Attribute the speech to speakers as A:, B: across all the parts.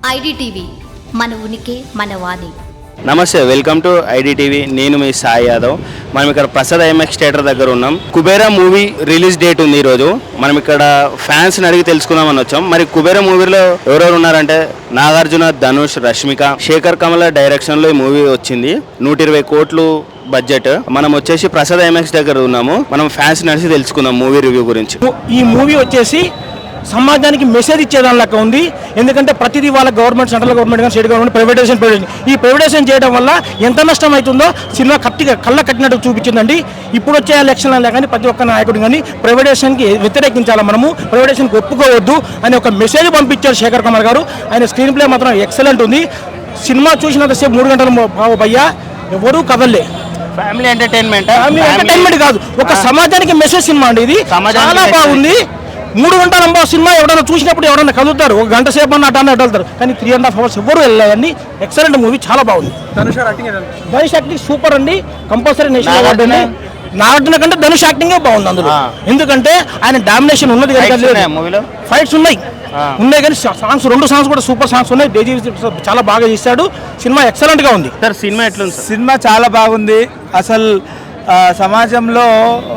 A: IDTV మన ఉనికి మన వాణి.
B: నమస్తే, వెల్కమ్ టు ఐడిటీవీ. నేను మీ సాయి యాదవ్. మనం ఇక్కడ ప్రసాద్ ఐఎంఎక్స్ థియేటర్ దగ్గర ఉన్నాం. కుబేరా మూవీ రిలీజ్ డేట్ ఉంది ఈరోజు. మనం ఇక్కడ ఫ్యాన్స్ని అడిగి తెలుసుకుందామని వచ్చాం. మరి కుబేరా మూవీలో ఎవరెవరు ఉన్నారంటే నాగార్జున, ధనుష్, రష్మిక, శేఖర్ కమల డైరెక్షన్లో ఈ మూవీ వచ్చింది. 120 కోట్లు బడ్జెట్. మనం వచ్చేసి ప్రసాద్ ఐఎంఎక్స్ దగ్గర ఉన్నాము. మనం ఫ్యాన్స్ నడిచి తెలుసుకుందాం మూవీ రివ్యూ గురించి.
C: ఈ మూవీ వచ్చేసి సమాజానికి మెసేజ్ ఇచ్చేదాని లెక్క ఉంది. ఎందుకంటే ప్రతిదీ వాళ్ళ గవర్నమెంట్, సెంట్రల్ గవర్నమెంట్ కానీ స్టేట్ గవర్నమెంట్ ప్రైవేటైజేషన్ ఈ ప్రైవేటైజేషన్ చేయడం వల్ల ఎంత నష్టం అవుతుందో సినిమా కళ్ళ కట్టినట్టు చూపించిందండి. ఇప్పుడు వచ్చే ఎలక్షన్లలో కానీ ప్రతి ఒక్క నాయకుడు కానీ ప్రైవేటైజేషన్కి వ్యతిరేకించాలి, మనము ప్రైవేటైజేషన్కి ఒప్పుకోవద్దు అని ఒక మెసేజ్ పంపించారు శేఖర్ కమల్ గారు. ఆయన స్క్రీన్ ప్లే మాత్రం ఎక్సలెంట్ ఉంది. సినిమా చూసినంతసేపు 3 గంటలు భయ్యా ఎవరూ కదలలే.
B: ఫ్యామిలీ ఎంటర్టైన్మెంట్
C: కాదు, ఒక సమాజానికి మెసేజ్ సినిమా అండి. ఇది చాలా బాగుంది. 3 గంటల సినిమా ఎవరైనా చూసినప్పుడు ఎవరైనా కదులుతారు, 1 గంట సేపు అన్న అటు వెళ్తారు, కానీ 3.5 hours ఎవరు వెళ్ళాలని. ఎక్సలెంట్ మూవీ, చాలా బాగుంది. ధనుష్ యాక్టింగ్ సూపర్ అండి. కంపల్సరీ నేషనల్ అవార్డు అండి. నాగార్జున కంటే ధనుష్ యాక్టింగే బాగుంది అందులో. ఎందుకంటే ఆయన డామినేషన్ ఉన్నది, ఫైట్స్ ఉన్నాయి కానీ సాంగ్స్ 2 సాంగ్స్ కూడా సూపర్ సాంగ్స్ ఉన్నాయి. డేజీ చాలా బాగా చేశాడు. సినిమా ఎక్సలెంట్ గా ఉంది.
B: సినిమా ఎట్లుంది?
D: సినిమా చాలా బాగుంది. అసలు సమాజంలో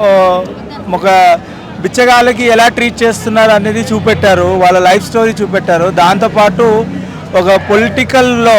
D: ఒక బిచ్చగాళ్ళకి ఎలా ట్రీట్ చేస్తున్నారు అనేది చూపెట్టారు, వాళ్ళ లైఫ్ స్టోరీ చూపెట్టారు. దాంతోపాటు ఒక పొలిటికల్లో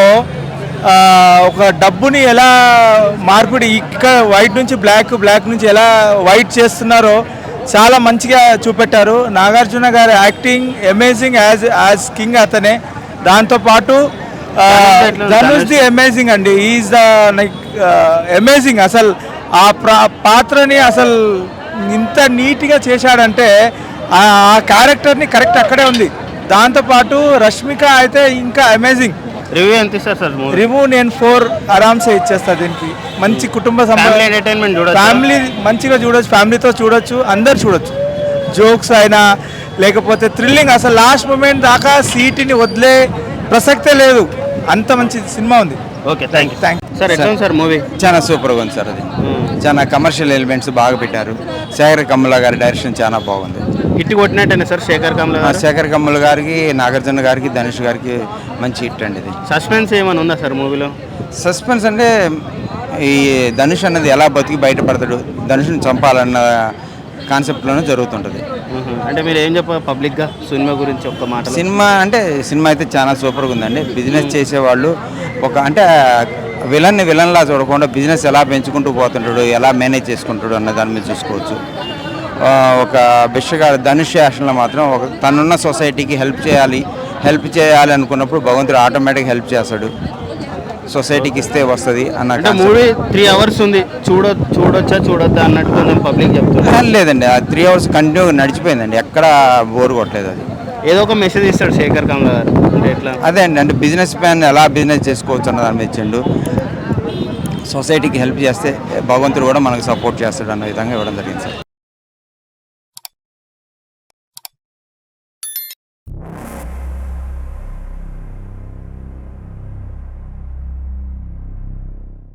D: ఒక డబ్బుని ఎలా మార్పిడి, ఇక్కడ వైట్ నుంచి బ్లాక్ నుంచి ఎలా వైట్ చేస్తున్నారో చాలా మంచిగా చూపెట్టారు. నాగార్జున గారి యాక్టింగ్ అమేజింగ్ యాజ్ కింగ్ అతనే. దాంతోపాటు ధనుష్ ది అమేజింగ్ అండి. Is the amazing. అసలు ఆ పాత్రని అసలు ఇంత నీట్గా చేశాడంటే ఆ క్యారెక్టర్ని కరెక్ట్ అక్కడే ఉంది. దాంతోపాటు రష్మిక అయితే ఇంకా అమేజింగ్.
B: రివ్యూ ఎంత ఇస్తారు సార్?
D: రివ్యూ నేను 4 ఆరామ్సే ఇచ్చేస్తా. దీనికి మంచి కుటుంబ
B: ఎంటర్టైన్మెంట్,
D: ఫ్యామిలీ మంచిగా చూడొచ్చు, ఫ్యామిలీతో చూడొచ్చు, అందరు చూడొచ్చు. జోక్స్ అయినా లేకపోతే థ్రిల్లింగ్, అసలు లాస్ట్ మూమెంట్ దాకా సీటుని వదిలే ప్రసక్తే లేదు. అంత మంచి సినిమా ఉంది.
B: Okay, thank you sir. ఎట్లా ఉంది సార్ మూవీ?
E: చాలా సూపర్గా ఉంది సార్. అది చాలా కమర్షియల్ ఎలిమెంట్స్ బాగా పెట్టారు. శేఖర్ కమల గారి డైరెక్షన్ చాలా బాగుంది.
B: హిట్ కొట్టినట్టేనా సార్ శేఖర్ కమల?
E: శేఖర్ కమల్ గారికి, నాగార్జున గారికి, ధనుష్ గారికి మంచి హిట్ అండి ఇది.
B: సస్పెన్స్ ఏమైనా ఉందా సార్ మూవీలో?
E: సస్పెన్స్ అంటే ఈ ధనుష్ అన్నది ఎలా బతికి బయటపడతాడు, ధనుష్ని చంపాలన్న కాన్సెప్ట్లోనే జరుగుతుంటుంది.
B: అంటే మీరు ఏం చెప్పారు పబ్లిక్గా సినిమా గురించి ఒక్క మాట?
E: సినిమా అయితే చాలా సూపర్గా ఉందండి. బిజినెస్ చేసేవాళ్ళు అంటే విలన్లా చూడకుండా బిజినెస్ ఎలా పెంచుకుంటూ పోతుంటాడు, ఎలా మేనేజ్ చేసుకుంటాడు అన్న దాని మీద చూసుకోవచ్చు. ఒక బిషగా ధనుష్ యాక్షన్లో మాత్రం తనున్న సొసైటీకి హెల్ప్ చేయాలి అనుకున్నప్పుడు భగవంతుడు ఆటోమేటిక్గా హెల్ప్ చేస్తాడు. సొసైటీకి ఇస్తే వస్తుంది అన్న.
B: మూవీ 3 hours ఉంది, చూడొచ్చా చూడొద్దా అన్నట్టు నేను పబ్లిక్ చెప్తాను.
E: లేదండి, ఆ 3 hours కంటిన్యూగా నడిచిపోయిందండి, ఎక్కడ బోర్ కొట్టలేదు. అది
B: ఏదో ఒక మెసేజ్ ఇస్తాడు శేఖర్ కమల గారు. అంటే ఎట్లా?
E: అదే అండి, అంటే బిజినెస్ మ్యాన్ ఎలా బిజినెస్ చేసుకోవచ్చు అన్న దాని మీద ఇచ్చిండు. సొసైటీకి హెల్ప్ చేస్తే భగవంతుడు కూడా మనకు సపోర్ట్ చేస్తాడు అన్న విధంగా ఇవ్వడం జరిగింది సార్.